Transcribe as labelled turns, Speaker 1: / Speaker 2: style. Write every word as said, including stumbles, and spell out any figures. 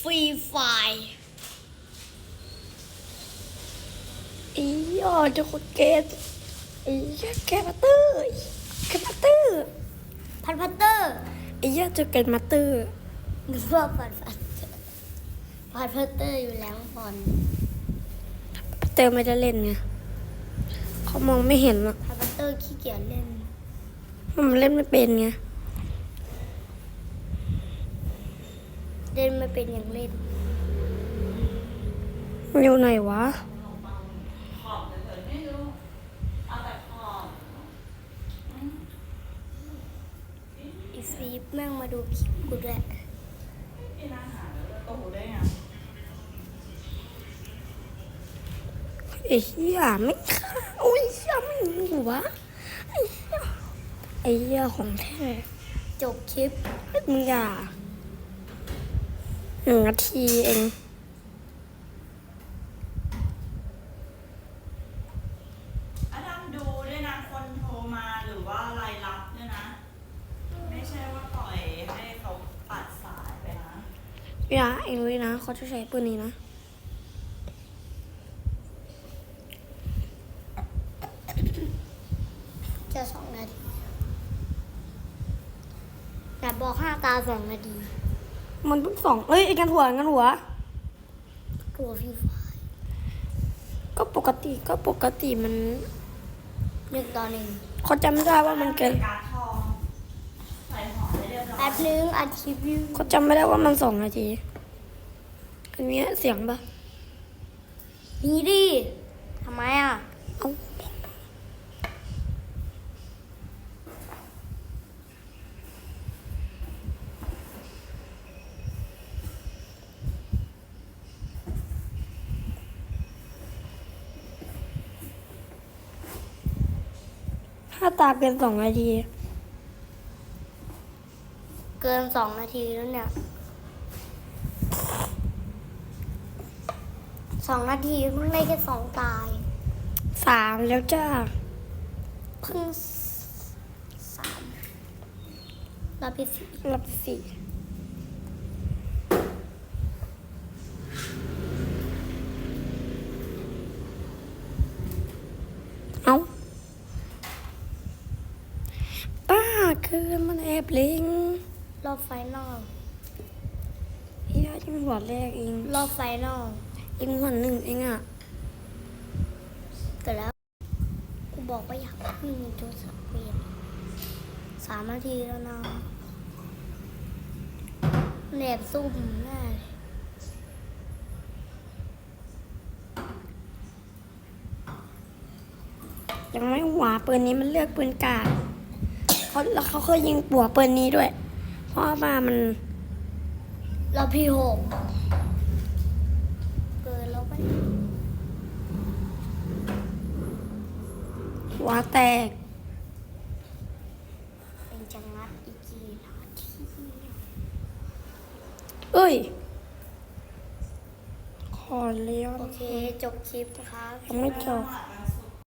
Speaker 1: รีไฟ
Speaker 2: อีอ๋อจะกดเกตอีแกมาเตอร์แกมาเตอร์
Speaker 1: พันพัตเตอร์
Speaker 2: อีจะเกตมาเตอร์
Speaker 1: หรือว่าพันพัตเตอร์พันพัตเตอร์อยู่แล้วพอน
Speaker 2: พัตเตอร์ไม่ได้เล่นไงเขามองไม่เห็นอ่ะ
Speaker 1: พันพัตเตอร์ขี้เกียจเล่น
Speaker 2: มันเล่นไม่เป็นไง
Speaker 1: เล่นไม่เป็นอย่างเล่น
Speaker 2: อยู่ไหนวะ
Speaker 1: อีฟีแม่งมาดูคลิปกูด้วย
Speaker 2: ไอ้เหี้ยไม่ฆ่าโอ้ยเหี้ยไม่มีวะไอ้เหี้ยไอ้เหี้ยของแท้
Speaker 1: จบคลิป
Speaker 2: มึงอย่าหนึ่งนาทีเอง
Speaker 3: อาดัมดูด้วยนะคนโทรมาหรือว่ารายรับด้วยนะไม่ใช่ว่าปล่อยให้เขาปัดสายไปนะ
Speaker 2: อย่าเองรู้นะเขาจะใช้ปืนนี้นะ
Speaker 1: จะสองนาทีแต่บอกห้าตาสองนาที
Speaker 2: มันเพิ่งสองเอ้ยไอ้กันหัวกันหัว
Speaker 1: ตัวฟรีไฟ
Speaker 2: ก็ปกติก็ปกติมัน
Speaker 1: หนึ่งต่อหนึ่ง
Speaker 2: เขาจำได้ว่ามันเกิน
Speaker 3: การทองใส่หอมได้เรียบร้อย
Speaker 1: แป๊บนึงอัดคลิปอยู่
Speaker 2: เขาจำไม่ได้ว่ามันสองนาทีอันนี้เสียงปะ
Speaker 1: มีดิทำไมอ่ะ
Speaker 2: เอาถ้าตาเกินสองนาที
Speaker 1: เกินสองนาทีแล้วเนี่ยสองนาทีเพิ่งได้แค่สองตาย
Speaker 2: สามแล้วจ้า
Speaker 1: เพิ่งสามรอบที่สี่
Speaker 2: รอบสี่เอาป้าคือมันแอบเล็ง
Speaker 1: รอบไฟนอล
Speaker 2: เฮียยังหัวแรกเอง
Speaker 1: รอบไฟนอล
Speaker 2: เองหัวหนึ่งเองอ่ะ
Speaker 1: เกิดแล้วกูบอกว่าอยากพึ่งโทรศัพท์เปลี่ยนสามนาทีแล้วนะแหนบซุ่มแน่
Speaker 2: ยังไม่หัวปืนนี้มันเลือกปืนกาดเขาแล้วเขาเคยยิงปัวปืนนี้ด้วย เพราะว่ามัน
Speaker 1: รอบที่หกเกินแล้วไป
Speaker 2: หัวแตก
Speaker 1: เป็นจังงัดอีกกี่นาที
Speaker 2: เอ้ยขอเลี้ยว
Speaker 1: โอเคจบคลิปนะครับ
Speaker 2: ยังไม่จบ